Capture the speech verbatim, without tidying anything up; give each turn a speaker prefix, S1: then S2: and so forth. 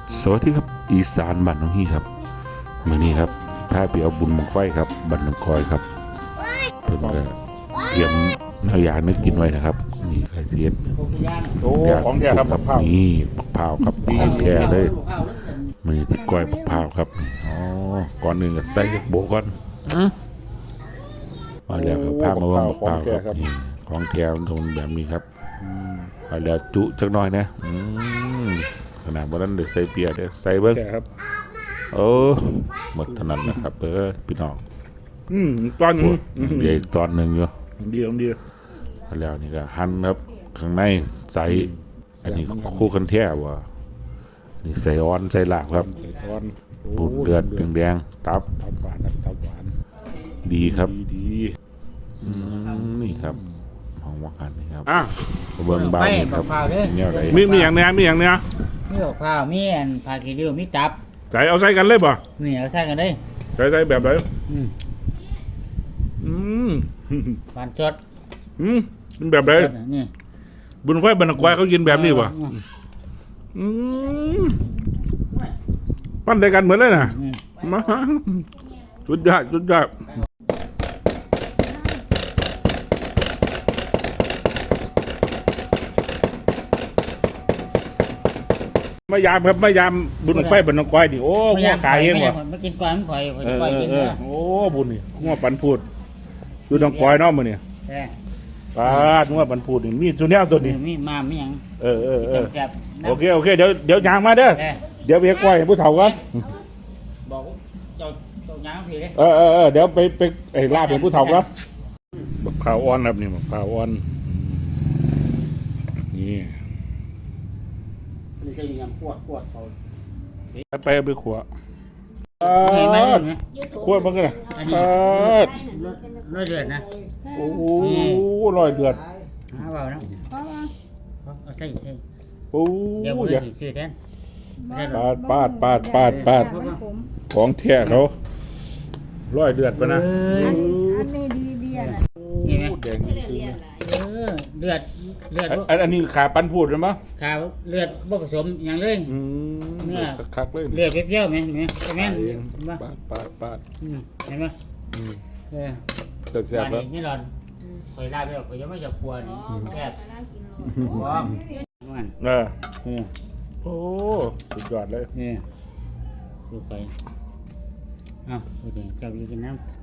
S1: สวัสดีครับอีสานบ้านน้องฮีครับมื้อนี้ครับพาไปเอาบุญบั้งไฟครับบ้านน้องคอยครับเพิ่นก็เตรียมแนวยางนึกกินไว้นะครับนี่ไข่เสียด
S2: โอ้ของแท้ครับบักพร้าว
S1: นี่บักพร้าวครับของแท้เลยมื้อนี้ที่ก้อยบักพร้าวครับอ๋อก่อนอื่นก็ใส่โบะก่อนมาแล้วก็พามาเบิ่งบักพร้าวครับนี่ของแท้มันตรงแบบนี้ครับไปแล้วจุจักหน่อยนะอืมขนาดบ่ทันได้ใส่เปียเด้อใส่เบิ่ง
S2: แท้ครับ
S1: โอ้หมดเท่านั้นนะครับเออพี่น้อง
S2: อืมตอนนี้
S1: เดี๋ยวอีกตอนหนึ่งอยู่
S2: ดีของดี
S1: แล้วนี่ก็หั่นครับข้างในใส่อันนี้คู่กันแท้ว่ะนี่ใส่อ่อนใส่ลาบครับ
S2: ใส่ตอน
S1: ปูดเดือดแดงๆตับ
S2: ตับหวานครับตับหวาน
S1: ดีครับ
S2: ดี
S1: อืมนี่ครับห้องว่ากันนี่ครับ
S2: อ่ะ
S1: เบิ่งบ้านนี่ครับเนี่ยอะไร
S2: มีมีอย่างเนี้ยมีอย่างเนี้ย
S3: มีกับข้าวมีอันผักขี้ริ้วมีตับ
S2: ใส่เอาใส่กันเลยป่ะ
S3: มีเอาใส่กันได้
S2: ใส่ใส่แบบไหน
S3: อืม
S2: อืม
S3: ปานสด
S2: อืมเป็นแบบไหน
S3: สดนี่
S2: บุญไฟบรรณควายเขากินแบบนี้ป่ะ
S3: อืม
S2: อืมปั้นได้กันเหมือนเลยนะ
S3: อืม
S2: มาสุดยอดสุดยอดมายามครับมายามบุญไฟบรรณควายดิโอ้หัวขายเองวะ
S3: มากินก่อนข่อยข่อย
S2: เออ
S3: ข่อย
S2: เออ
S3: กิน
S2: เอ
S3: เนื้
S2: อ
S3: อ
S2: โอ้บุญนี่หัวปันพูดดูน้องควายเนาะมื้อนี่
S3: แต่
S2: ปาดหัวปันพูดนี่มีตัวแนวตัวนี้
S3: มีมามีหยัง
S2: เออเออเออ
S3: แซ่บๆนะ
S2: โอเคโอเคเดี๋ยวเดี๋ยวยางมาเด้อ
S3: แต่
S2: เดี๋ยวไปควายให้ผู้เฒ่ากัน
S3: บอกเจ้าเจ้าหยังพี่เด้
S2: เออเออเออเดี๋ยวไปไปไอ้ลาบเป็นผู้เฒ่าครับบักพร้าวอ่อนครับนี่บักพร้าวอ่อนนี่
S3: นี่ก็ยังปวดปวดเขา
S2: ไปเอาไปขัว
S3: มีไหมเห็นไหม
S2: ขัวมันก็ได้
S3: อันนี้
S2: ปาด
S3: ร้อยเดือดนะ
S2: โอ้โหลอยเดือด
S3: หาเบานะเอาใส่ใส่
S2: โอ้
S3: เดี๋ยว
S2: โห
S3: เพื่
S2: อย่า
S3: อนสิซื้อแทน
S2: ปาดปาดปาดปาดปาดของแท้เขาลอยเดือดปะนะ
S3: เออ
S4: อันนี้ดีดีอ่ะนะ
S3: นี่ไหม
S2: แดงจริง
S3: เออเลือดเลือด
S2: อันอันนี้ขาปันพูดใช่ไหม
S3: ขาวเลือดบ่ผสมอย่างเลย
S2: อืม
S3: เนี่ย
S2: คักๆเลย
S3: เลือดเปรี้ยวๆไหมเห็นไหมใช่ไหม
S2: เอง
S3: เห็นไหม
S2: ปาดปาดปาด
S3: อืมเห็นไหม
S2: อืม
S3: เออ
S2: แต่แซ่บ
S3: บ้าน
S2: แล้ว
S3: นี้นี่หลอนคอยลาไปหรอกคอยยังไม่จะกลัวนี่แซ่บว้าวมัน
S2: เออ
S3: เออ
S2: โอ้สุดยอดเลย
S3: นี่ดูไปเอ้าดูดิเจ้าอยู่กินน้ำ